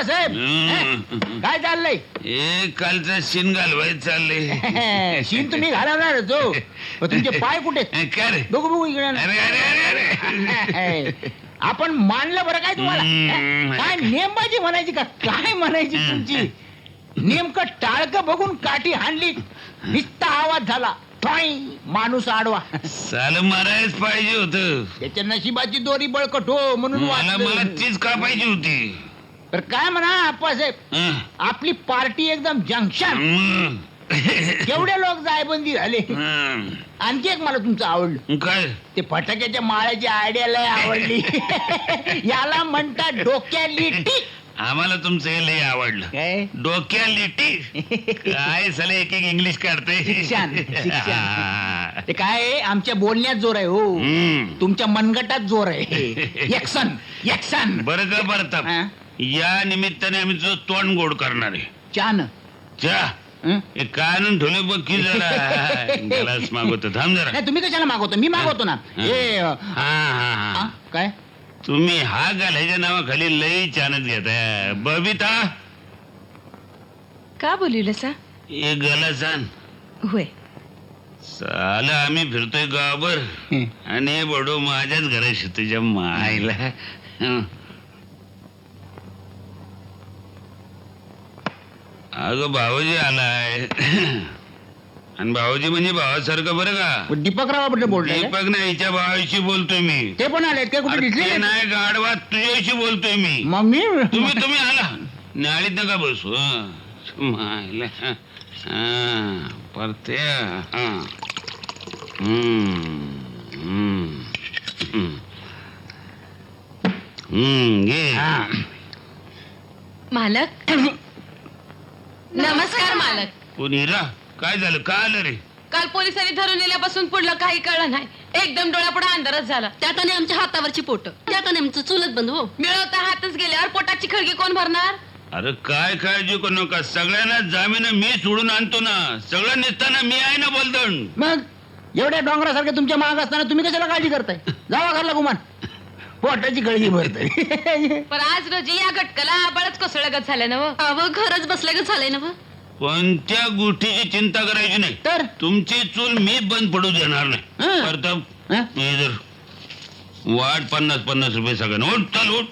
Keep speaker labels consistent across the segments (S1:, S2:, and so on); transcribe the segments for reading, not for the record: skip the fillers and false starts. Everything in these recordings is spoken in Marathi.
S1: साहेब काय चाललंय?
S2: कालचा शिन घालवायचं चाललंय.
S1: शीन तुम्ही घालवणार जो तुमचे पाय कुठे?
S2: काय रे?
S1: बघू बघू इकडे.
S2: अरे अरे अरे
S1: आपण मानलं बरं काय तुम्हाला? काय नेमबाजी म्हणायची का काय म्हणायची तुमची? नेमकं टाळकं बघून काठी हाणली, नुसता आवाज झाला, माणूस आडवा.
S2: साल मारायच पाहिजे होत.
S1: त्याच्या नशिबाची दोरी बळकट हो म्हणून
S2: मला तीच का पाहिजे होती.
S1: तर काय म्हणा आप्पासाहेब, आपली पार्टी एकदम जंक्शन. केवढे लोक जायबंदी झाले. आणखी एक मला तुमचं आवडलं.
S2: काय?
S1: ते फटाक्याच्या माळ्याची आयडिया लय आवडली. याला म्हणतात डोक्याली टिक.
S2: आम्हाला तुमचं हे लय आवडलं.
S1: काय
S2: डोक्या लिटी काय साले एक एक इंग्लिश काढते.
S1: शिक्षण ते काय आमच्या बोलण्यात जोर आहे हो, तुमच्या मनगटात जोर आहे. Action action.
S2: बरं का बरं, या निमित्ताने आम्ही तुझं तोंड गोड करणार आहे.
S1: चान
S2: चा काय आणून ठेवले बघ की जरा. ग्लास मागवतो, थांब जरा.
S1: नाही तुम्ही कशाला मागवतो? मी मागवतो ना. काय
S2: तुम्ही हा घालायच्या नावाखाली लई चानच घेताय. बबिता
S3: का बोलवलं सा?
S2: एक गलास आण.
S3: होय.
S2: साला आम्ही फिरतोय गावावर आणि हे बडो माझ्याच घराशी तुझ्या मायला. अगं भाऊजी आलाय. आणि भाऊजी म्हणजे भावासारखं बरं का.
S1: दीपकराव बद्दल बोलतोय?
S2: दीपक नाही, हिच्या भावाशी बोलतोय मी.
S1: ते पण आले? ते कुठे दिसले
S2: नाही गाडवा, तुझ्याशी बोलतोय मी.
S1: मम्मी
S2: तुम्ही आला नाळीत नका बसू. मायला परते.
S3: मालक नमस्कार. मालक
S2: कोणी रा? काय झालं? का आलं रे?
S3: काल पोलिसांनी धरून नेल्यापासून पुढलं काही कळलं नाही. एकदम डोळ्यापुढे अंधारच झाला. त्यात आणि आमच्या हातावरची पोट, त्यात आणि आमचं चुलत बंद हो. मिळवता हातच गेल्यावर पोटाची खळगी कोण भरणार?
S2: अरे काय काळजी करू नका, सगळ्यांना जामीन मी सोडून आणतो ना. सगळं निघताना मी आहे ना बोलदण.
S1: मग एवढ्या डोंगरासारखे तुमच्या माग असताना तुम्ही कशाला काळजी करताय? जावा घरला गुमान, पोटाची गळगी भरते.
S3: पण आज रोजी या घटकाला बळच कोसळगत झालं ना. अव घरच बसल्यागत झालंय ना.
S2: कोणत्या गोष्टीची चिंता करायची नाही.
S1: तर
S2: तुमची चूल मी बंद पडू देणार नाही. प्रताप इधर वाट 50-50 रुपये सगळ्यांना. उठ चल उठ.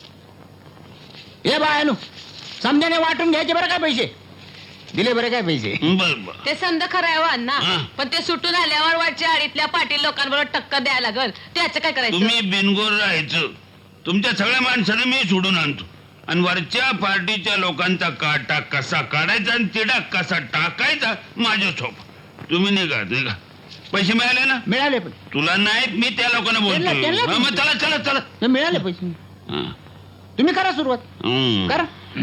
S1: हे बायनू समजाने वाटून घ्यायचे बरं काय पैसे दिले बरं काय पैसे.
S2: बर
S3: ते समजा खरं आहे अण्णा, पण ते सुटून आल्यावर वाटच्या आडीतल्या पाटील लोकांबरोबर टक्कर द्यायला लागल. त्याचं काय करायचं?
S2: तुम्ही बिनगोर राहायचं. तुमच्या सगळ्या माणसाने मी सोडून आणतो आणि वरच्या पार्टीच्या लोकांचा काटा कसा काढायचा आणि तिडा कसा टाकायचा माझ्या सोप. तुम्ही निघा. पैसे मिळाले ना?
S1: मिळाले पण
S2: तुला नाहीत, मी त्या लोकांना बोलतो. मग चला चला चला.
S1: मिळाले पैसे. तुम्ही करा सुरुवात करा.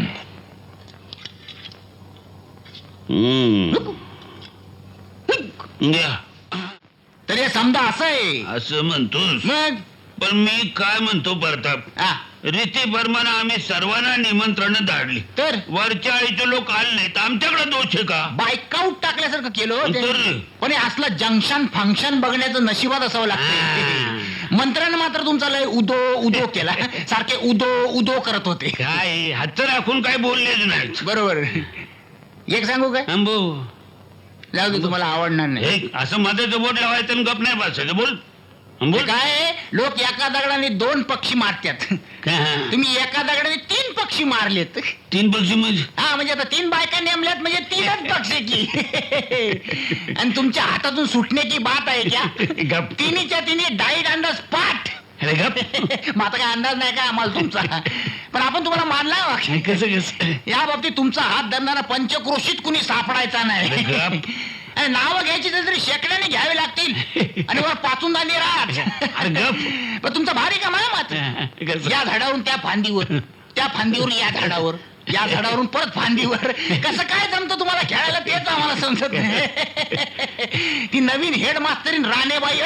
S1: तर हे समजा असं आहे.
S2: असं म्हणतोस?
S1: मग
S2: पण मी काय म्हणतो प्रताप, रीती प्रमाणे आम्ही सर्वांना निमंत्रण धाडली, तर वरच्या आळीचे लोक आले नाहीत. आमच्याकडे दोष आहे का?
S1: बायकाऊट टाकल्यासारखं केलं. पण हे असलं जंक्शन फंक्शन बघण्याचं नशिबात असावं लागतं. मंत्र्यानं मात्र तुमचा लय उदो उदो केला. सारखे उदो उदो करत होते.
S2: काय हात राखून काय बोललेच नाही.
S1: बरोबर. एक सांगू काय? जाऊ दे, तुम्हाला आवडणार नाही.
S2: असं मध्येच बोट लावायचं आणि गप नाही बसायचं. बोल बोल.
S1: काय लोक एका दगडाने 2 पक्षी मारतात, तुम्ही एका दगडाने 3 पक्षी मारलेत.
S2: 3 पक्षी म्हणजे?
S1: हा, म्हणजे आता 3 बायका नेमल्यात म्हणजे 3च पक्षी की. आणि तुमच्या हातातून सुटण्याची बात आहे क्या? तिन्हीच्या तिन्ही डाईड अंडर स्पॉट. माझा काय अंदाज नाही का आम्हाला तुमचा, पण आपण तुम्हाला मानला.
S2: कसं कसं
S1: या बाबतीत तुमचा हात धरणारा पंचक्रोशीत कुणी सापडायचा नाही. नावं घ्यायची तरी शेकड्याने घ्यावे लागतील आणि वर पाचून झाली राहत. पण तुमचा भारी का मात. या झाडावरून त्या फांदीवर, त्या फांदीवर या झाडावर, या झाडावरून परत फांदीवर. कसं काय जमतं तुम्हाला खेळायला तेच आम्हाला समजत नाही. ती नवीन हेड मास्तरीन राणेबाई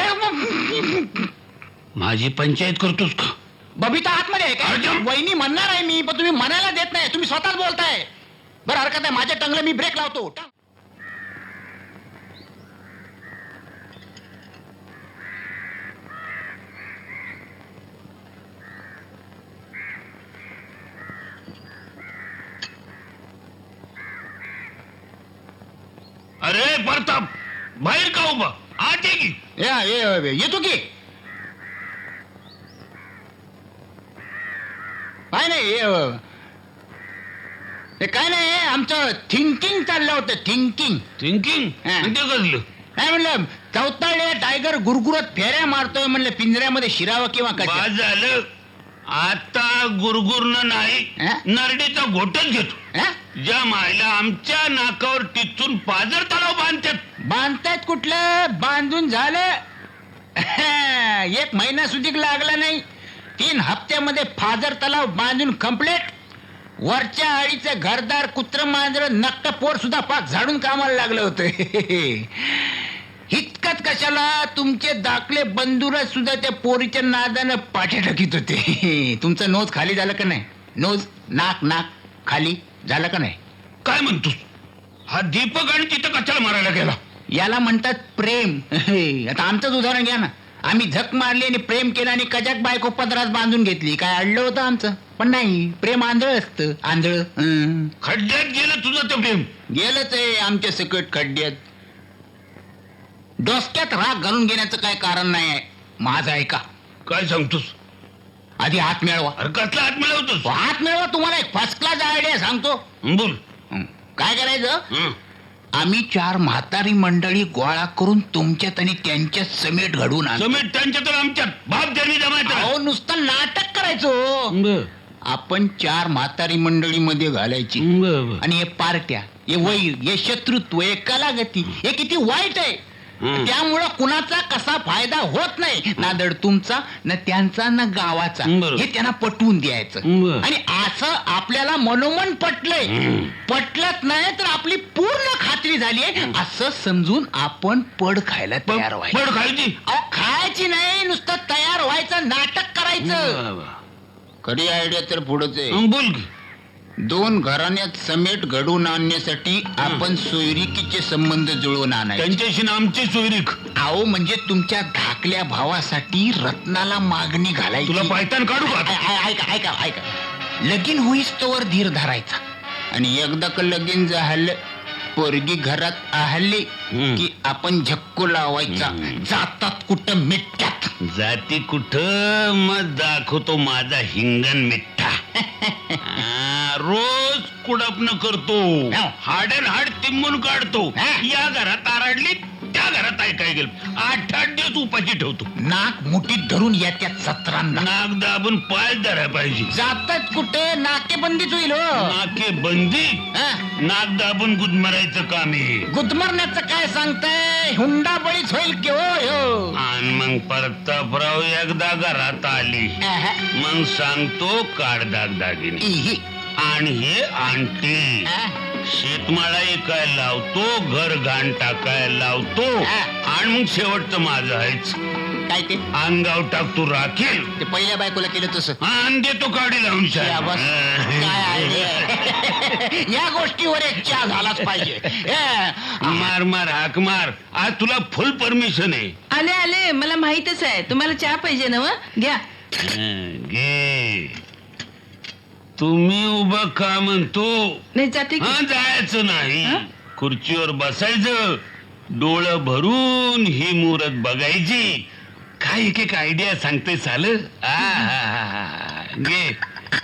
S2: माझी पंचायत करतोस का?
S1: बबिता आतमध्ये आहे का? वहिनी म्हणणार आहे मी, पण तुम्ही म्हणायला देत नाही. तुम्ही स्वतःच बोलताय. बरं हरकत आहे, माझ्या टंगला मी ब्रेक लावतो.
S2: ए प्रताप बाहेर का उभा आत ये की.
S1: येतो की. काय नाही काय नाही आमचं थिंकिंग चाललं होतं थिंकिंग.
S2: थिंकिंग
S1: हा.
S2: ते कसलं
S1: काय म्हणलं चौताळे टायगर गुरगुरत फेऱ्या मारतोय म्हणलं पिंजऱ्यामध्ये शिरावं किंवा
S2: बा
S1: काय.
S2: झालं आता गुरगुरनं नाही
S1: हा?
S2: नरडीचा घोटच घेतो. ज्या मायला आमच्या नाकावर टिचून पाजर तलाव बांधतात.
S1: बांधतायत कुठलं बांधून झालं 1 महिना सुधीक लागला नाही. 3 हप्त्यामध्ये फाजर तलाव बांधून कंप्लीट. वरच्या आळीचं घरदार कुत्र मांजर नक्क पोर सुद्धा पाक झाडून कामाला लागलं होतं. इतकंच कशाला तुमचे दाखले बंधुरच सुद्धा त्या पोरीच्या नादानं पाठे टाकीत होते. तुमचं नोज खाली झालं का नाही. नोज नाक खाली झालं का नाही.
S2: काय म्हणतोस हा दीपक आणि तिथं कशाला मारायला गेला.
S1: याला म्हणतात प्रेम. आता आमचंच उदाहरण घ्या ना. आम्ही झक मारली आणि प्रेम केलं आणि कजाक बायको पदरात बांधून घेतली. काय अडलं होतं आमचं. पण नाही प्रेम आंधळ असतं आंधळ.
S2: खड्ड्यात गेलं तुझं ते प्रेम.
S1: गेलंच आहे आमच्या सकट खड्ड्यात. डोसक्यात राग घालून घेण्याचं काय कारण नाही आहे. माझं ऐका.
S2: काय सांगतोस
S1: आधी हात मिळवा.
S2: अरे कसला हात मिळवतोस.
S1: हात मिळवा तुम्हाला एक फर्स्ट क्लास आयडिया सांगतो.
S2: बोल.
S1: काय करायचं
S2: हं.
S1: आम्ही 4 म्हातारी मंडळी गोळा करून तुमच्यात आणि त्यांच्यात समेट घडवून आणतो.
S2: समेट त्यांच्या तर आमच्यात बाप जन्मी जमायचं.
S1: अहो नुसतं नाटक करायचो. आपण 4 म्हातारी मंडळीमध्ये घालायची आणि हे पार्ट्या हे वैर हे शत्रुत्व हे कलागती हे किती वाईट आहे. त्यामुळं कुणाचा कसा फायदा होत नाही ना धड तुमचा ना त्यांचा ना गावाचा. हे त्यांना पटवून द्यायचं आणि असं आपल्याला मनोमन पटलंय. पटलत नाही तर आपली पूर्ण खात्री झाली असं समजून आपण पड खायला तयार व्हायचं.
S2: पड खायची
S1: अहो खायची नाही नुसतं तयार व्हायचं नाटक करायचं. खरी आयडिया तर पुढच आहे.
S2: बोल की.
S1: 2 घराण्यात समेट घडवून आणण्यासाठी आपण सोयरिकीचे संबंध जुळवून आणायचे.
S2: त्यांच्याशी ना आमची सोयरीक.
S1: अहो म्हणजे तुमच्या धाकल्या भावासाठी रत्नाला मागणी घालायची.
S2: तुला पायतान काढू का.
S1: ऐका लगीन होईस तोवर धीर धरायचा आणि एकदा का लगीन झालं पोरगी घरात आहली की आपण झक्को लावायचा. जातात कुठं मिठ्यात.
S2: जाती कुठं मग दाखवतो माझा हिंगण मिठ्ठा. रोज कुडपण करतो. हाड हाड तिंबून काढतो. या घरात आरडली त्या घरात ऐकाय गेल 8-8 दिवस उपाशी ठेवतो.
S1: नाक मुठीत धरून येत्यात 17
S2: नाक दाबून पाय धराय पाहिजे.
S1: जातात कुठे नाकेबंदीच होईल.
S2: नाके बंदी नाक दाबून गुदमरायचं काम आहे.
S1: गुदमरण्याचं काय सांगताय हुंडा बळीच होईल की हो.
S2: आणि मग प्रतापराव एकदा घरात आली मग सांगतो काढ दागदागिने आणि हे आणते. शेतमाळा काय लावतो घर घाण टाकायला लावतो आणि मग शेवटचं माझं आहेच.
S1: काय ते
S2: अंगाव टाकतो राखेल.
S1: ते पहिल्या बायकोला केलं तसं
S2: आणि देतो काढी लावून
S1: या बस. काय आहे? या गोष्टीवर एक चहा झालाच पाहिजे.
S2: मार मार हाक मार. आज तुला फुल परमिशन आहे.
S3: आले मला माहितच आहे तुम्हाला चहा पाहिजे ना. घ्या
S2: घे. तुम्ही उभं का म्हणतो.
S3: नाही जाते की.
S2: जायचं नाही. खुर्चीवर बसायचं डोळं भरून ही मुहूर्त बघायची. काय एक आयडिया सांगते साल. घे